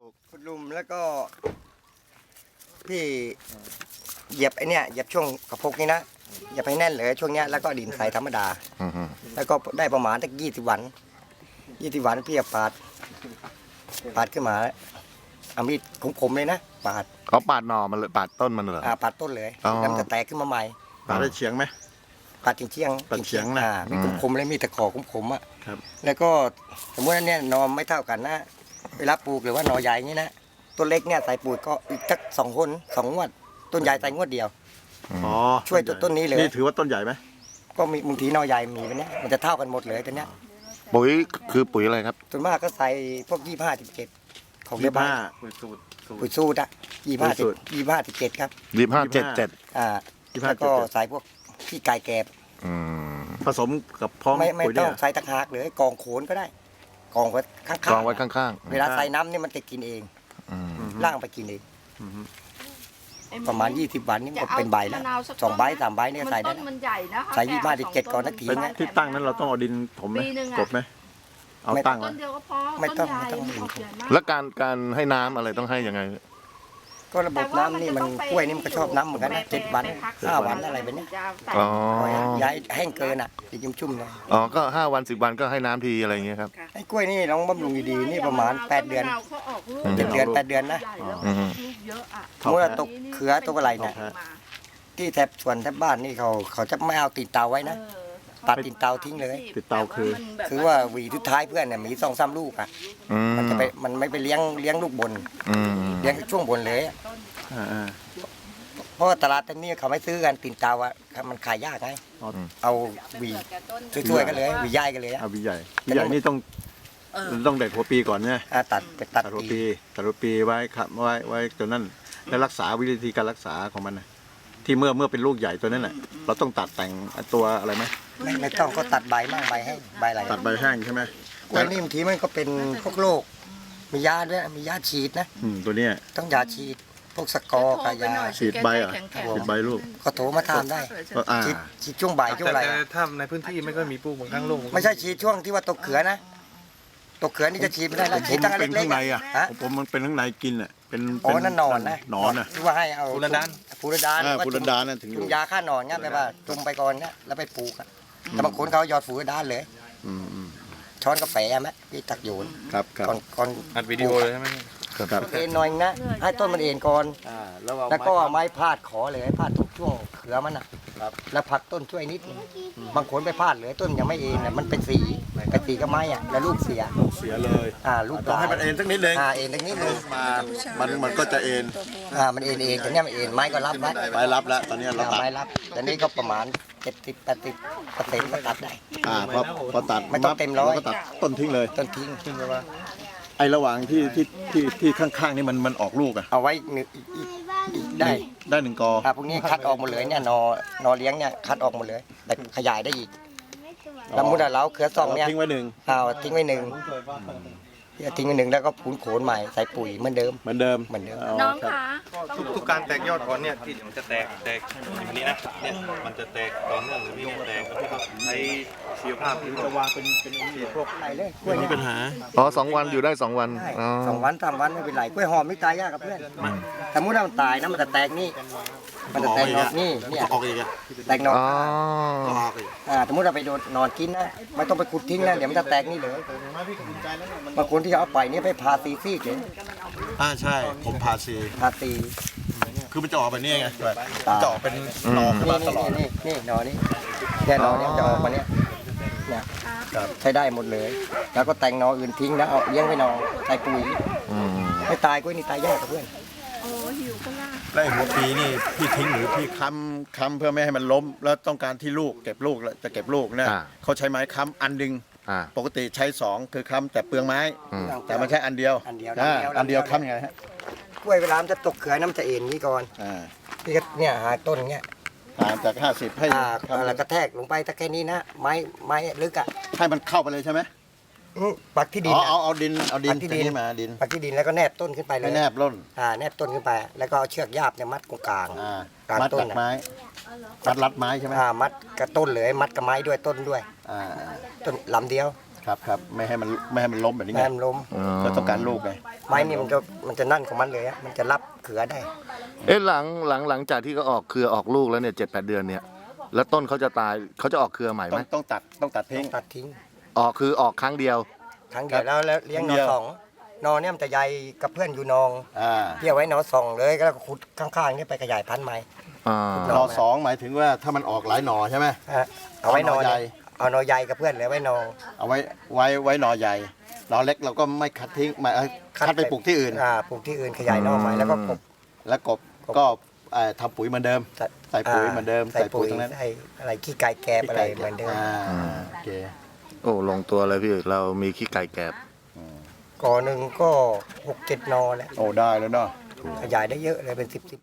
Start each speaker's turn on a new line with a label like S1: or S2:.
S1: ขุดหลุมแล้วก็พี่เหยียบไอ้เนี่ยเหยียบช่วงกระพกนี่นะเหยียบให้แน่นเลยช่วงเนี้ยแล้วก็ดินใส่ธรรมดาแล้วก็ได้ประมาณสัก20 วันพี่ปาดขึ้นมาเอามีดคมๆเลยนะปาด
S2: เขาปาดหน่อมันเลยปาดต้นมันเหรอ
S1: ปาดต้นเลย
S2: อ๋อ
S1: แล้วมันจะแตกขึ้นมาใหม่
S3: ปาดได้เฉียงไหม
S1: ปาดเฉียง
S3: ปาดเฉียงนะ
S1: มีคมๆเลยมีตะขอคมๆอ่ะ
S3: ครับ
S1: แล้วก็สมมติว่าเนี่ยหนอไม่เท่ากันนะเวลาปลูกหรือว่าหนอใหญ่อย่างนี้นะต้นเล็กเนี่ยใส่ปุ๋ยก็อีกสัก2 งวดต้นใหญ่ใส่งวดเดียว
S3: อ๋อ
S1: ช่วยต้นนี้เลย
S3: นี่ถือว่าต้นใหญ่ไหม
S1: ก็มีบางทีหนอใหญ่มีไปเนี่ยมันจะเท่ากันหมดเลยตัวเนี้ย
S2: ปุ๋ยคือปุ๋ยอะไรครับ
S1: ส่วนมากก็ใส่พวก25-17ของเรียบร้อย
S3: 25
S1: ปุ๋ยสูตรอะ
S3: ปุ๋ยสูตร
S1: 25-17ครับ
S2: 2577
S1: แล้วก็ใส่พวกขี้ไก่แกบ
S3: ผสมกับพร้อม
S1: ไม่
S3: ปุ๋ย
S1: ต้
S3: เนี่
S1: อง
S3: ย
S1: ใส่ตะหากเลยกองโขนก็ได้กองไว้ข้างๆ
S2: กองไว้ข้าง
S1: เวลาใส่น้ำนี่มันจะกินเอง ล่างไปกินเองประมาณ20 วันนี่มันก็เป็นใบแล้ว2 ใบ 3 ใบเนี่ยใส่ได้
S4: ต้นมันใหญ่นะคะ
S1: ใส่25-17ก่อนสักที
S3: เป็นที่ตั้งนั้นเราต้องเอาดินถมไหม
S4: ปีหนึ่งอะ
S3: กลบไหมเอาตั้ง
S4: ต้
S3: ไว้
S4: นเดียวก็พอ
S1: ไม่ต้อง
S4: ต้นใหญ่
S1: ไม่ต้อง
S4: มันออกใหญ่มาก
S2: ๆ แล้วการให้น้ำอะไรต้องให้ยังไง
S1: ก็ระบบน้ำนี่มันกล้วยนี่มันก็ชอบน้ำเหมือนกันนะ7 วัน5 วันอะไรแบบเนี้ย
S2: อ๋อ
S1: ย้ายแห้งเกินอ่ะจะชุ่มๆเลย
S2: อ๋อก็5 วัน 10 วันก็ให้น้ำทีอะไรอย่างเงี้ยครับ
S1: ไอ้กล้วยนี่ลองบำรุงดีๆนี่ประมาณ8 เดือน
S4: เขาออกลูก
S1: 7 เดือน8 เดือนนะ
S4: ใหญ่แล้ว
S2: อืม
S4: ลูกเยอะอะ
S1: เมื่อตกเขือตกอะไรเนี่ย
S4: มา
S1: ที่แถบสวนแถบบ้านนี่เขาจะไม่เอาติดเตาไว้นะตัดติดเตาทิ้งเลย
S3: ติดเตาคือ
S1: คือว่าหวีทุดท้ายเพื่อนเนี่ยมี2-3 ลูกอ่ะ
S2: อืม
S1: มันไม่ไปเลี้ยงลูกบน
S2: อืม
S1: เลี้ยงช่วงบนเลยอะ
S3: อ่า
S1: เพราะว่าตลาดตอนนี้เขาไม่ซื้อกันติดเตาอ่ะมันขายยากไง
S3: อ๋อ
S1: เอาหวีช่วยๆกันเลยหวีย่ายกันเลยอะ
S3: เอาวิใหญ่วิใหญ่นี่ต้องเด็ดหัวปีก่อนเนี่ย
S1: ตัดไปตั
S3: ตั
S1: ด
S3: ดหัว
S1: ปี
S3: ปีตัดหัวปีไว้ครับไว้จนนั่นแล้วรักษาวิธีการรักษาของมันนะที่เมื่อเป็นลูกใหญ่ตัวนั้นแหละเราต้องตัดแต่งตัวอะไรไหม
S1: ไม่ต้องก็ตัดใบมั่งใบให้ใบอะไร
S3: ตัดใบแห้งใช่ไหม
S1: กล้วยนี่บางทีมันก็เป็นพวกโรคมียาด้วยมียาฉีดนะ
S3: ตัวเนี้ย
S1: ต้องยาฉีดพวกสกอร์กับยา
S3: ฉีดใบเหรอฉีดใบลูก
S1: ก็โทรมาถามได้
S3: ก็
S1: ฉีดช่วงบ่ายช่วงอะไร
S5: แต่ถ้าในพื้นที่ไม่ค่อยมีปลูกบางครั้งลูก
S1: ไม่ใช่ฉีดช่วงที่ว่าตกเขือนะตกเขือนี่จะฉีดไม่ได้แล้วฉีดตั้งแต่
S3: เป็น
S1: เล็
S3: ข้าก งใน
S1: ๆ
S3: อ่ะ
S1: ฮะ
S3: ผมมันเป็นข้างในกินอ่ะเป็น
S1: อ๋อนั่นนอนนะ
S3: นอนอ่ะ
S1: ที่ว่าให้เอา
S5: ฟูรดาน
S1: ฟูรดาน
S3: ฟูรดานน่ะถึงอยู่
S1: จุ่มยาฆ่าหนอนงั้นไปว่าจุ่มไปก่อนนะแล้วไปปลูกอะแต่บางคนเขาหยอดฟูรดานเลย
S3: อืม
S1: ช้อนกาแฟไหมพี่ตักโยน
S3: ครับครับ
S1: ก่อน
S5: อัดวิดีโอเลยใช่ไหม
S3: ครับ
S1: เอ็นหน่อยนะให้ต้นมันเอ็นก่อนแล้วก็เอาไม้พาดขอเลยพาดทุกช่วงเขือมันนะแล้วผลักต้นช่วยนิดนึงบางคนไปพาดเลยต้นยังไม่เอ็นน่ะมันเป็นสีกับไม้อะแล้วลูกเสีย
S3: เสียเลย
S1: ลูก
S3: ต้องให้มันเอ็นสักนิดนึง
S1: เอ็นตรงนี้นึง
S3: มันก็จะเอ็น
S1: มันเอ็นเองแต่เนี้ยมันเอ็นไม้ก็รับไว้
S3: ไปรับแล้วตอนนี้เราตัด
S1: ไม้รับแต่นี่ก็ประมาณ70-80%ก็ตัดได้
S3: พอตัด
S1: ไม่ต้องเต็มร้อย
S3: ก็ตัดต้นทิ้งเลย
S1: ต้นทิ้งไปว่า
S3: ไอ้ระหว่างที่ข้างๆนี่มันออกลูกอ่ะ
S1: เอาไว้อีกได้
S3: ได้1 กอ
S1: พวกนี้คัดออกหมดเลยเนี่ยนอเลี้ยงเนี่ยคัดออกหมดเลยแต่ขยายได้อีกแล้วมุดเราเขือซองเนี่ย
S3: ทิ้งไว้1
S1: เอาทิ้งไว้หนึ่งแล้วก็พูนโขนใหม่ใส่ปุ๋ยเหมือนเดิม
S3: เหมือนเดิม
S4: น้อง
S3: ครับ
S4: คะ
S5: ทุกการแตกยอดก่อนเนี่ยที่มันจะแตกอย่างนี้นะเนี่ยมันจะแตกต่อเนื่องหรือมีแตกแล้วที่เขาใช้ชีวภาพหรือจะวางเป็นพวก
S1: ไหนเลยกล้วย
S3: มี
S1: เนี่ย
S3: ปัญหา
S2: อ๋อ2 วันอยู่ได้2 วัน
S1: ได้
S2: อ๋อ
S1: 2 วัน3 วันไม่เป็นไรกล้วยหอมไม่ตายยากกับเพื่อนสมมติว่ามันตายนะมันจะแตกนี่มันจะแตกนอกนี่เนี่ย
S3: ออกอีกอ่ะ
S1: แตกนอก
S2: อ๋อ
S3: ออกอีก
S1: สมมติเราไปโดนนอนกินนะไม่ต้องไปขุดทิ้งนะเดี๋ยวมันจะแตกนี่เลยบางคนที่เอาไปนี่ไปพาซีซี่เลย
S3: ใช่ผมพาซี
S1: พาซี
S3: คือมันจะออกแบบนี้ไงมันจะออกเป็นหนอขึ้นมาตลอด
S1: นี่หนอนี่เนี่ยหนอเนี่ยจะออกมาเนี่ยใช้ได้หมดเลย แล้วก็แต่งหนออื่นทิ้งแล้วเอาเลี้ยงไว้หนอใส่ปุ๋ย
S2: อืม
S1: ไม่ตายกล้วยนี่ตายยากกับเพื่อน
S4: โอ้หิวก็ล่า
S3: แล้วไอ้หัวปีนี่พี่ทิ้งหรือพี่ค้ำเพื่อไม่ให้มันล้ม แล้วต้องการที่ลูกเก็บลูกแล้วจะเก็บลูกเนี่ยเขาใช้ไม้ค้ำอันดึง
S2: อ่า
S3: ปกติใช้2คือค้ำแต่เปลืองไม้
S2: อืม
S3: แต่มันใช้อันเดียว
S1: อันเดียว
S3: อันเดียวค้ำยังไงฮะ
S1: กล้วยเวลามันจะตกเขือน้ำจะเอ็นนี่ก่อน พี่ก็เนี่ยหาต้นเงี้ย
S3: ห่างจาก50ให้
S1: แล้วกระแทกลงไปถ้าแค่นี้นะไม้ลึกอ่ะ
S3: ให้มันเข้าไปเลยใช่ไหม
S1: ปักที่ดิ
S3: อ๋
S1: น
S3: อเอาดิน
S1: ปักที่ดิน
S3: มาดิน
S1: ปักที่ดินแล้วก็แนบต้นขึ้นไปเลย
S3: ให้แนบร่น
S1: แนบต้นขึ้นไป แล้วก็เอาเชือกยาบเนี่ยมัดตรงกลาง กลาง
S3: มัด
S1: ต้น
S3: กับ
S1: น่ะ
S3: ไม้มัดรัดไม้ใช่ไหม
S1: มัดกับต้นเลยมัดกับไม้ด้วยต้นด้วย
S3: อ่า
S1: ต้นลำเดียว
S3: ครับไม่ให้มันล้มแบบนี้
S1: แม่
S3: ไง
S1: มันล้ม
S3: เราต้องการลูกไง
S1: ไม้นี่มันจะนั่นของมันเลยอะมันจะรับเขือได้
S2: เอ๊ะหลังจากที่เขาออกเครือออกลูกแล้วเนี่ย7-8 เดือนเนี่ยแล้วต้นเขาจะตายเขาจะออกเครือใหม่ไหม
S3: ต้องตัดทิ้ง
S1: ตัดทิ้ง
S2: ออกคือออกครั้งเดียว
S1: ครั้งเดียวแล้วเลี้ยง
S3: ครั้ง
S1: หน
S3: เดี
S1: อ
S3: ยว
S1: สองนอเนี่ยมันจะใหญ่กับเพื่อนอยู่นอง
S3: อ่า
S1: เพี่เอาไว้หนอสองเลยแล้วก็ขุดข้างๆนี่ไปขยายพันธุ์ใหม่
S2: อ่า
S3: หน่อสองหมายถึงว่าถ้ามันออกหลายหน่อใช่ไหม
S1: ฮะเอาไว้นอ
S3: เอาหน่อใหญ่
S1: เอาหนอใหญ่กับเพื่อนเลยไว้นอ
S3: เอาไว้หน่อใหญ่หน่อเล็กเราก็ไม่คัดทิ้งหมายคัดไปปลูกที่อื่น
S1: ปลูกที่อื่นขยายนอใหม่แล้วก็กบ
S3: แล้วกบก็ทำปุ๋ยเหมือนเดิม ใส่ปุ๋ยเหมือนเดิม
S1: ใส่ปุ๋ย
S3: ตรงนั้น
S1: ใส่อะไรขี้ไก่แกบอะไรเหมือนเดิม
S3: โอเค
S2: โอ้ลงตัวเลยพี่เรามีขี้ไก่แกบ
S1: ก่อหนึ่งก็6-7 นอแหละ
S3: โอ้ได้แล้วเนาะ
S1: ขยายได้เยอะเลยเป็น10